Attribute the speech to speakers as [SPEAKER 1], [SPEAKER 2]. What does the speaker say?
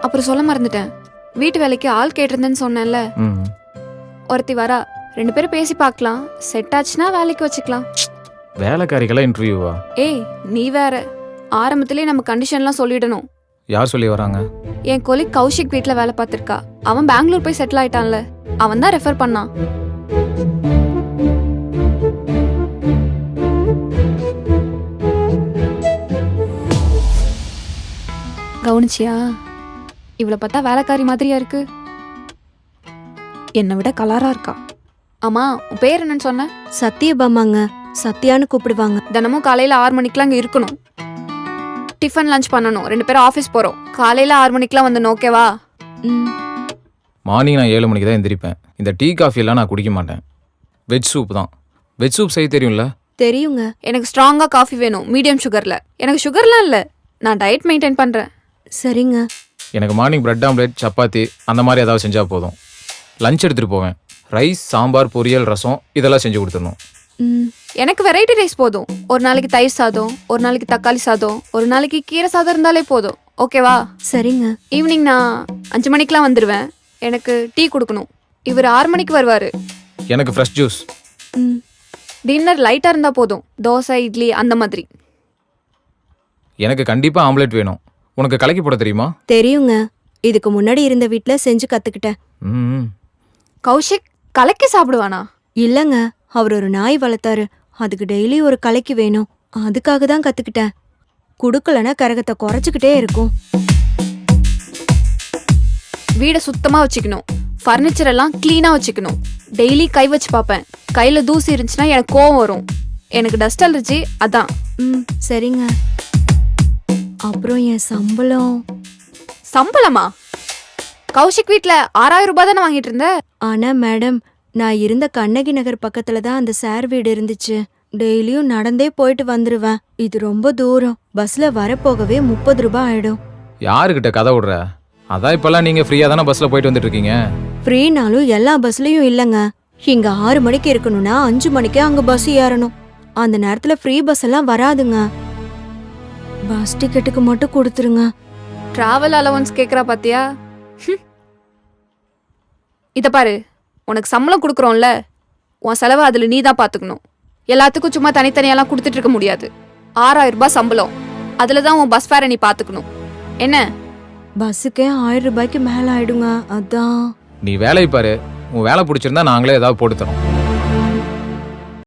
[SPEAKER 1] அப்புறம் சொல்ல மறந்துட்டேன், வீட்டு வேலைக்கு ஆள் கேட்டிருந்தேன்னு சொன்னேன்ல,
[SPEAKER 2] ம்
[SPEAKER 1] ஒருத்தி வரா. 2 பேரும் பேசி பார்க்கலாம், செட் ஆச்சுன்னா வேலைக்கு வச்சுக்கலாம்.
[SPEAKER 2] வேலைக்காரிக்கெல்லாம் இன்டர்வியூவா?
[SPEAKER 1] ஏய் நீ வேற, ஆரம்பத்திலே நம்ம கண்டிஷன்லாம் சொல்லிடணும்.
[SPEAKER 2] யார் சொல்லி வராங்க?
[SPEAKER 1] என் கொலிக் கௌஷிக் வீட்ல வேலை பார்த்திருக்கா. அவன் பெங்களூர் போய் செட்டில் ஆயிட்டான்ல, அவன் தான் ரெஃபர் பண்ணான். கவனிச்சியா? இவளை பார்த்தா வேலைக்காரி மாதிரியா இருக்கு. என்னை விட கலரா இருக்கா. ஆமா, உன் பேர் என்னன்னு சொன்ன?
[SPEAKER 3] சத்தியபாமாங்க. சத்யான்னு கூப்பிடுவாங்க.
[SPEAKER 1] தினமும் காலையில 6 மணிக்கெல்லாம் அங்க இருக்கணும். டிஃபன் லஞ்ச் பண்ணணும். 2 பேரும் ஆஃபீஸ் போறோம். காலையில 6 மணிக்கெல்லாம் வந்து ஓகேவா?
[SPEAKER 3] ம்.
[SPEAKER 2] மார்னிங் நான் 7 மணிக்கு தான் எந்திரிப்பேன். இந்த டீ காஃபி எல்லாம் நான் குடிக்க மாட்டேன். வெஜ் சூப் தான். வெஜ் சூப் செய்ய தெரியும்ல?
[SPEAKER 3] தெரியுங்க.
[SPEAKER 1] எனக்கு ஸ்ட்ராங்கா காஃபி வேணும், மீடியம் சுகர்ல. எனக்கு சுகர்லாம் இல்ல, நான் டயட் மெயின்டைன் பண்றேன்.
[SPEAKER 3] சரிங்க.
[SPEAKER 2] எனக்கு மார்னிங் பிரெட் ஆம்லேட், சப்பாத்தி அந்த மாதிரி ஏதாவது செஞ்சால் போதும். லஞ்ச் எடுத்துகிட்டு போவேன். ரைஸ், சாம்பார், பொரியல், ரசம் இதெல்லாம் செஞ்சு கொடுத்துடணும்.
[SPEAKER 3] ம்.
[SPEAKER 1] எனக்கு வெரைட்டி ரைஸ் போதும். ஒரு நாளைக்கு தயிர் சாதம், ஒரு நாளைக்கு தக்காளி சாதம், ஒரு நாளைக்கு கீரை சாதம் இருந்தாலே போதும். ஓகேவா?
[SPEAKER 3] சரிங்க.
[SPEAKER 1] ஈவினிங் நான் 5 மணிக்கெலாம் வந்துடுவேன். எனக்கு டீ கொடுக்கணும். இவர் 6 மணிக்கு வருவார்.
[SPEAKER 2] எனக்கு ஃப்ரெஷ் ஜூஸ்.
[SPEAKER 3] ம்.
[SPEAKER 1] டின்னர் லைட்டாக இருந்தால் போதும். தோசை, இட்லி அந்த மாதிரி.
[SPEAKER 2] எனக்கு கண்டிப்பாக ஆம்லேட் வேணும். உனக்கு கலக்கி போட தெரியுமா?
[SPEAKER 3] தெரியுங்க. இதுக்கு முன்னாடி இருந்த வீட்ல செஞ்சு கத்துக்கிட்டேன்.
[SPEAKER 2] ம்
[SPEAKER 1] கௌஷிக் கலக்கி சாப்பிடுவானா?
[SPEAKER 3] இல்லங்க, அவர் ஒரு நாய் வளர்த்தாரு. அதுக்கு டெய்லி ஒரு கலைக்கு வேணும். அதுக்காக தான் கத்துக்கிட்டேன். குடுக்கலன்னா கரகத்தை குறைச்சிக்கிட்டே இருக்கும்.
[SPEAKER 1] வீடை சுத்தமாக வச்சுக்கணும். ஃபர்னிச்சர் எல்லாம் க்ளீனாக வச்சுக்கணும். டெய்லி கை வச்சு பார்ப்பேன். கையில் தூசி இருந்துச்சுன்னா எனக்கு கோவம் வரும். எனக்கு டஸ்ட் அலர்ஜி, அதான்.
[SPEAKER 3] ம். சரிங்க. அப்புறம் என் சம்பளம்.
[SPEAKER 1] சம்பளமா? கௌஷிக் வீட்டில் 6000 ரூபாய் தானே வாங்கிட்டு இருந்த?
[SPEAKER 3] ஆனா மேடம், நான் இருந்த கண்ணகி நகர் பக்கத்துல தான் அந்த சார் வீடு இருந்துச்சு. டெய்லியும் நடந்தே போயிட்டு வந்துருவேன். இது ரொம்ப தூரம். பஸ்ல வரப்போகவே 30 ரூபாய் ஆயிடும்.
[SPEAKER 2] யாருக்கிட்ட கதை விடுற? அதான் இப்போல்லாம் நீங்கள் ஃப்ரீயாக தானே பஸ்ஸில் போயிட்டு வந்துட்டு இருக்கீங்க.
[SPEAKER 3] ஃப்ரீனாலும் எல்லா பஸ்லயும் இல்லங்க. இங்க 6 மணிக்கு இருக்கணும்னா 5 மணிக்கே அங்க பஸ் ஏறணும். அந்த நேரத்துல ஃப்ரீ பஸ் எல்லாம் வராதுங்க. பஸ் டிக்கெட்டுக்கு மட்டும் கொடுத்துருங்க.
[SPEAKER 1] டிராவல் அலவன்ஸ் கேட்குறா பாத்தியா? இதை பாரு, உனக்கு சம்பளம் கொடுக்குறோம்ல, உன் செலவை அதில் நீ தான் பார்த்துக்கணும். எல்லாத்துக்கும் சும்மா தனித்தனியெல்லாம் கொடுத்துட்டு இருக்க முடியாது. 6000 ரூபாய் சம்பளம், அதில் தான் உன் பஸ் ஃபேரை நீ பார்த்துக்கணும். என்ன?
[SPEAKER 3] பஸ்ஸுக்கே 1000 ரூபாய்க்கு மேல ஆயிடுங்க. அதான்.
[SPEAKER 2] நீ வேலையை பாரு. உன் வேலை பிடிச்சிருந்தா நாங்களே ஏதாவது போட்டு தரோம்.